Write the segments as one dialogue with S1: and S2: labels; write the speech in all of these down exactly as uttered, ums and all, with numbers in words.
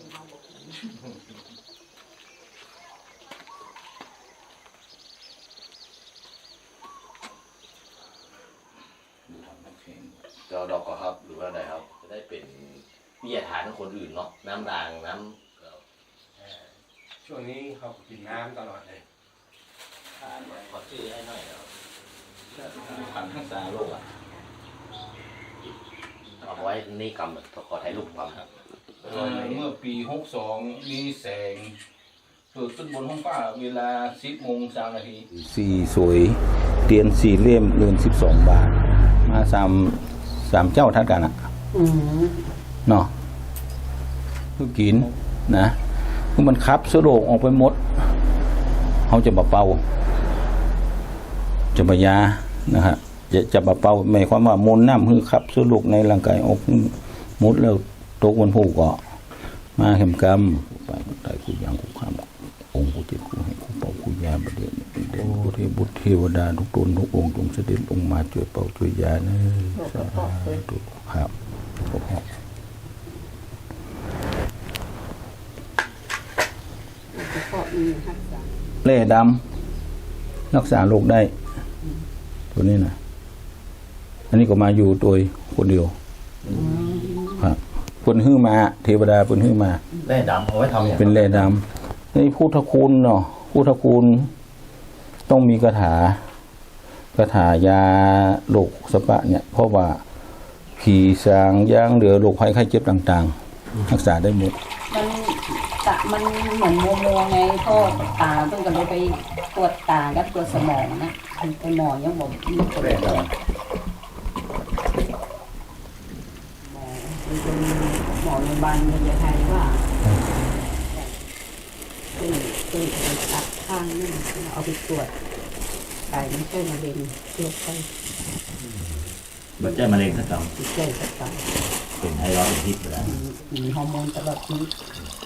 S1: เจ้าดอกก็ครับหรือว่าอะไรครับจะได้เป็นวิทยาทานของคนอื่นเนาะน้ำรางน้
S2: ำช่วงนี้เขากินน้ำตลอดเลย
S1: ทานขอชื่อให้หน่อยครับพันธุ์ทักษาโลกอ่ะเอาไว้นี่กำขอถ่ายรูปความครับ
S3: เมื่อปีหกสองมีแสงเกิดขึ้นบนห้องฟ้าเวลาสิบโมงสามนาทีสี่สวยเตียนสี่เล่มเรือนสิบสองบาทมาสามสามเจ้าทัดกันอ่ะเนาะคือกินนะคือมันคับสโลกออกไปหมดเขาจะบะเป่าจะบะยานะฮะจะจะบะเป่าหมายความว่ามนน้ำคือคับสโลกในร่างกายออกหมดแล้วตกวันผูกก็มาเข็มกำไปตายกูยังกูข้ามองค์กูเจ็บกูให้กูเป่ากูยาประเดี๋ยวเด่นบุตรบุตรเทวดาทุกตนทุกองค์จงเสด็จลงมาช่วยเป่าช่วยยาเนอะสาธุครับเล่ดำรักษาโรคได้ตัวนี้นะอันนี้ก็มาอยู่ตัวคนเดียวครับคนหื้อมาเทวดาคนหื้อมา
S1: แร่ดำเอาไว้ทำอย่าง
S3: เป็นแร่ดำนี่พุทธคุณเนาะพุทธคุณต้องมีคาถาคาถายาโรคสปะเนี่ยเพราะว่าผีสางย่างเหลือโรคภัยไข้เจ็บต่างๆรักษาได้หมด
S4: มันตะมันเหมือนโมโมไงพ่อตาต้องกันเลยไปตรวจตากับตรวจสมองนะไปหมอยังบอกมีคนเลยหมอโรงพยาบาลเมืองไทยว่าคือคือตัดข้างนี่เอาไปตรวจไตไม่ใช่มะเร็งเชื้อไข้
S1: บัดเจ็บมะเร็งสักครั้ง
S4: บัดเจ็บสักครั้ง
S1: เป็นไทรอยด์เป็นพิษไปแล้ว
S4: มีฮอร์โมนตลอดชีวิต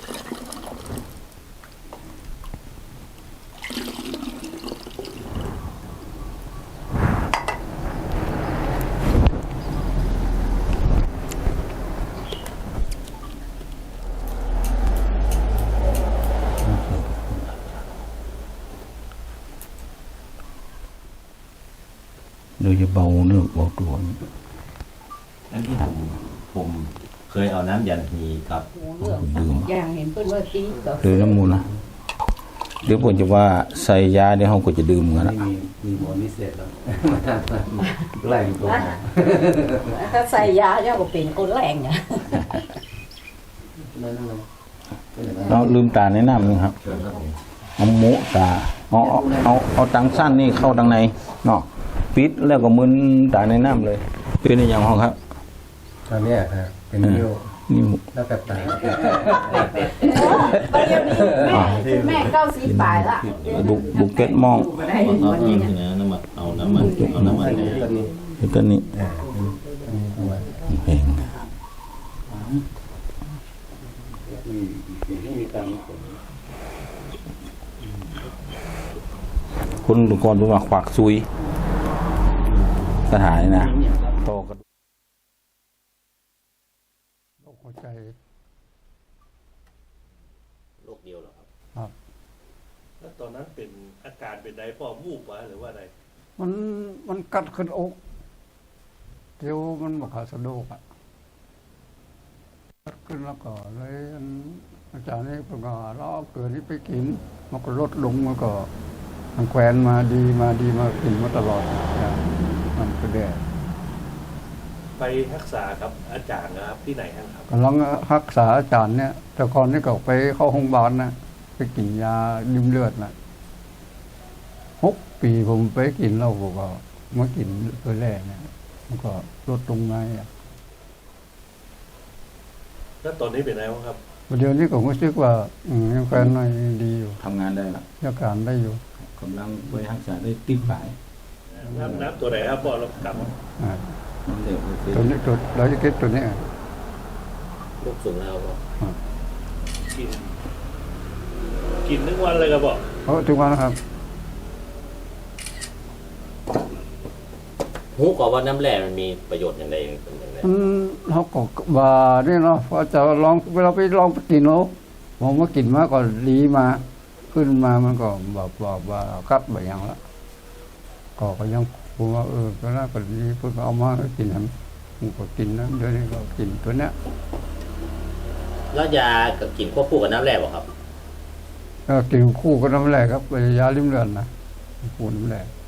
S3: โดยจะเบาเนื้อเบาตัว
S1: นั่นที่ผมผมเคยเอาน้ำยันฮีครับ
S4: ดื่มอย่างเห็นเพื่อนว่าซี
S3: หรือน้ำมูลนะหรือผมจะว่าใส่ยาในห้องก็จะดื่มกันนะ
S2: มีหมอนิเศษแล้วแรงตัว
S4: ถ้าใส่ยาเนี่ยก็เป็นคนแรงอ่ะ
S3: เราลืมตาในน้ำนึงครับเอาโมตาเอาเอาเอาตังสั้นนี่เข้าตังในเนาะปิดแล้วก็มึนตาในน้ำเลยเป็นอย่างห้องครับ
S2: ตอนนี้ครับเป็นนิ้ว
S3: นิ้ว
S2: แล้วแบบตา
S4: แม่เก้าสีปลายละ
S3: บุกบุกเก็ตมอง
S1: เอาน้ำนะน้ำมันเอาน้ำมันเอาน้ำมัน
S3: เนี่ยต้นนี้เพลงคุณดูก่อนดูว่าขวักซุยสถานนะโตกัน
S5: โรคหัวใจ
S1: โรคเดียวเหรอครับ
S5: ครับ
S6: แล้วตอนนั้นเป็นอาการเป็นไดพ่อวูบวะหรือว่าอะไร
S5: มันมันกัดขึ้นอกเดี๋ยวมันบอกขาสะดุกอ่ะกัดขึ้นแล้วก็เลยอาจารย์นี่ประกาศเราเอาเกลือนี้ไปกินมันก็ลดลงมันก็ทางแควนมาดีมาดีมากินมาตลอดมันก็แดด
S6: ไปรักษากับอาจารย์นะครับที่ไหนครับ
S5: กำลังรักษาอาจารย์เนี่ยแต่ก่อนนี่ก็ไปเข้าโรงพยาบาลนะไปกินยาดื่มเลือดนะหกปีผมไปกินเหล้าก็มากินตัวแรกเนี่ยมันก็ลดลงมาอ่ะ
S6: แล้วตอนนี้เป็นไงบ้างครับ
S5: เดี๋ยวนี้ผมก็คิดว่าอืมยังการหน่อยดีอยู่
S3: ทำงานได้ละ
S5: ยังการได้อยู่
S3: กำลังไปรักษาได้ติดปลาย
S6: น้ำน้ำตัวไหนครับพ่อเรากลับ
S5: ตัวนี้ตัวเราจะเก็บตัวนี้
S1: ลูกสูงแล้ว
S6: กินกินทุกวันเลยครับบอก
S5: เพราะทุกวันนะครับ
S1: หูก็ว่าน้ำแร่มันมีประโยชน์อย่างไรเป็นอย่างไร
S5: มันเขาก็ว่านี่เนาะพอจะลองเวลาไปลองไปกินเนาะผมว่ากินมาก็ดีมาขึ้นมามันก็แบบแบบว่ากัดแบบอย่างละก็ก็ยังผมว่าเออก็น่าก็ดีเพิ่งเอามากินทำผมก็กินนะเดี๋ยวนี้ก็กินตัวเนี้ย
S1: แล้วยากับกินควบคู่กับน้ำแร่บ่ครับ
S5: ก็กินคู่กับน้ำแร่ครับยาลิ้มเลือนนะคู่น้ำแร่